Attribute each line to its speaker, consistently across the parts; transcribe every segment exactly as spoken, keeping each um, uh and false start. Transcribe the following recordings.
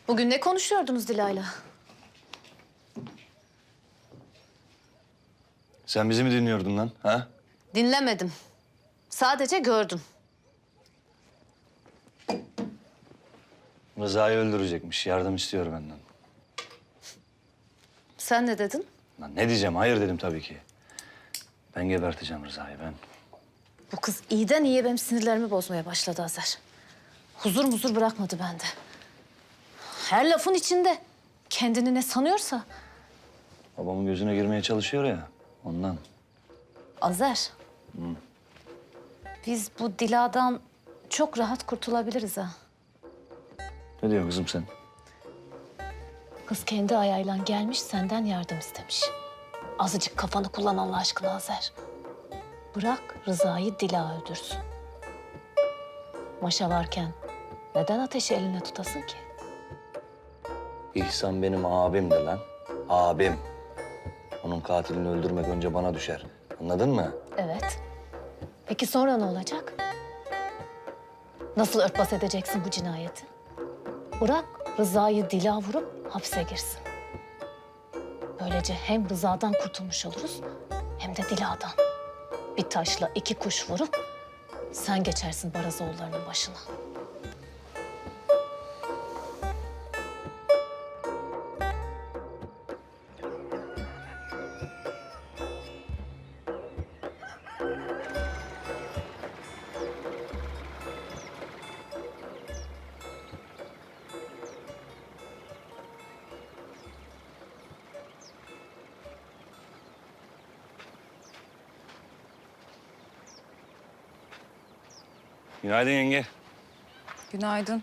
Speaker 1: Bugün ne konuşuyordunuz Dilay'la?
Speaker 2: Sen bizi mi dinliyordun lan? Ha?
Speaker 1: Dinlemedim. Sadece gördüm.
Speaker 2: Rıza'yı öldürecekmiş. Yardım istiyor benden.
Speaker 1: Sen ne dedin?
Speaker 2: Lan ne diyeceğim? Hayır dedim tabii ki. Ben geberteceğim Rıza'yı ben.
Speaker 1: Bu kız iyiden iyiye benim sinirlerimi bozmaya başladı Azer. Huzur muzur bırakmadı bende. Her lafın içinde. Kendini ne sanıyorsa.
Speaker 2: Babamın gözüne girmeye çalışıyor ya. Ondan.
Speaker 1: Azer.
Speaker 2: Hı.
Speaker 1: Biz bu Dila'dan çok rahat kurtulabiliriz ha.
Speaker 2: Ne diyorsun kızım sen?
Speaker 1: Kız kendi ayağıyla gelmiş, senden yardım istemiş. Azıcık kafanı kullan Allah aşkına Azer. Bırak Rıza'yı Dila öldürsün. Maşa varken neden ateşi eline tutasın ki?
Speaker 2: İhsan benim abimdi lan. Abim. Onun katilini öldürmek önce bana düşer. Anladın mı?
Speaker 1: Evet. Peki sonra ne olacak? Nasıl örtbas edeceksin bu cinayeti? Bırak Rıza'yı Dila vurup hapse girsin. Böylece hem Rıza'dan kurtulmuş oluruz hem de Dila'dan. Bir taşla iki kuş vurup sen geçersin Barazoğulları'nın başına.
Speaker 2: Günaydın yenge.
Speaker 3: Günaydın.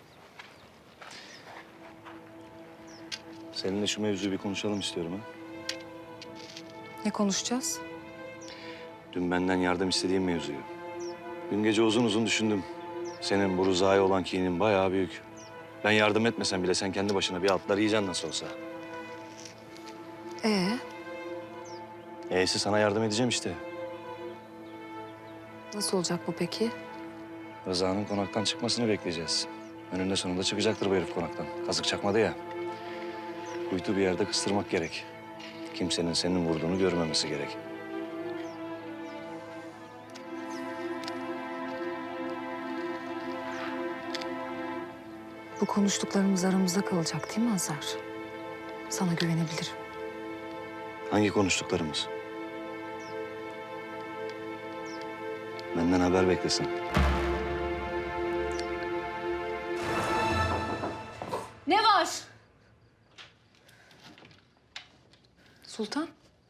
Speaker 2: Seninle şu mevzuyu bir konuşalım istiyorum ha.
Speaker 3: Ne konuşacağız?
Speaker 2: Dün benden yardım istediğin mevzuyu. Dün gece uzun uzun düşündüm. Senin bu Rıza'ya olan kinin bayağı büyük. Ben yardım etmesem bile sen kendi başına bir altlar yiyeceksin nasıl olsa.
Speaker 3: Ee,
Speaker 2: E'si sana yardım edeceğim işte.
Speaker 3: nasıl olacak bu peki?
Speaker 2: Rıza'nın konaktan çıkmasını bekleyeceğiz. Önünde sonunda çıkacaktır bu herif konaktan. Kazık çakmadı ya. Kuytu bir yerde kıstırmak gerek. Kimsenin senin vurduğunu görmemesi gerek.
Speaker 3: Bu konuştuklarımız aramızda kalacak değil mi Azar? Sana güvenebilirim.
Speaker 2: Hangi konuştuklarımız? Benden haber beklesin.
Speaker 1: Ne var?
Speaker 3: Sultan.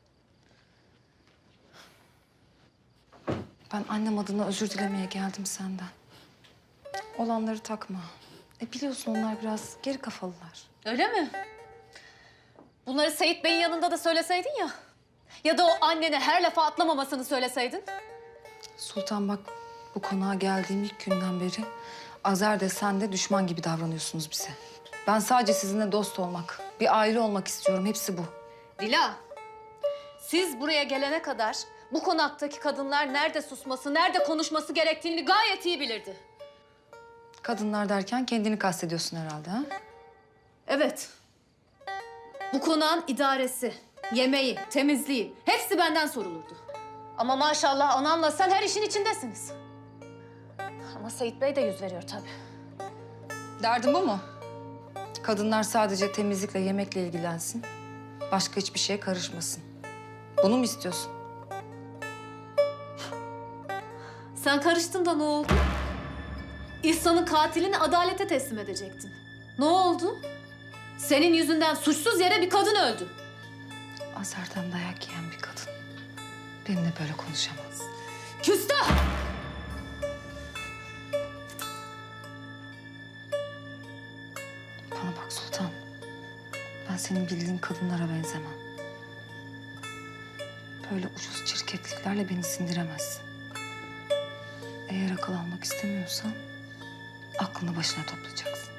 Speaker 3: Ben annem adına özür dilemeye geldim senden. Olanları takma. E biliyorsun onlar biraz geri kafalılar.
Speaker 1: Öyle mi? Bunları Seyit Bey'in yanında da söyleseydin ya. Ya da o annene her lafa atlamamasını söyleseydin.
Speaker 3: Sultan bak bu konağa geldiğim ilk günden beri Azer de sen de düşman gibi davranıyorsunuz bize. Ben sadece sizinle dost olmak, bir aile olmak istiyorum. Hepsi bu.
Speaker 1: Dila, siz buraya gelene kadar bu konaktaki kadınlar nerede susması, nerede konuşması gerektiğini gayet iyi bilirdi.
Speaker 3: Kadınlar derken kendini kastediyorsun herhalde ha?
Speaker 1: Evet. Bu konağın idaresi, yemeği, temizliği hepsi benden sorulurdu. Ama maşallah ananla sen her işin içindesiniz. Ama Seyit Bey de yüz veriyor tabii.
Speaker 3: Derdin bu mu? Kadınlar sadece temizlikle, yemekle ilgilensin. Başka hiçbir şeye karışmasın. Bunu mu istiyorsun?
Speaker 1: Sen karıştın da ne oldu? İhsan'ın katilini adalete teslim edecektin. Ne oldu? Senin yüzünden suçsuz yere bir kadın öldü.
Speaker 3: Azer'den dayak yiyen bir kadın benimle böyle konuşamaz.
Speaker 1: Küstah!
Speaker 3: Bana bak Sultan. Ben senin bildiğin kadınlara benzemem. Böyle ucuz çirkefliklerle beni sindiremezsin. Eğer akıl almak istemiyorsan aklını başına toplayacaksın.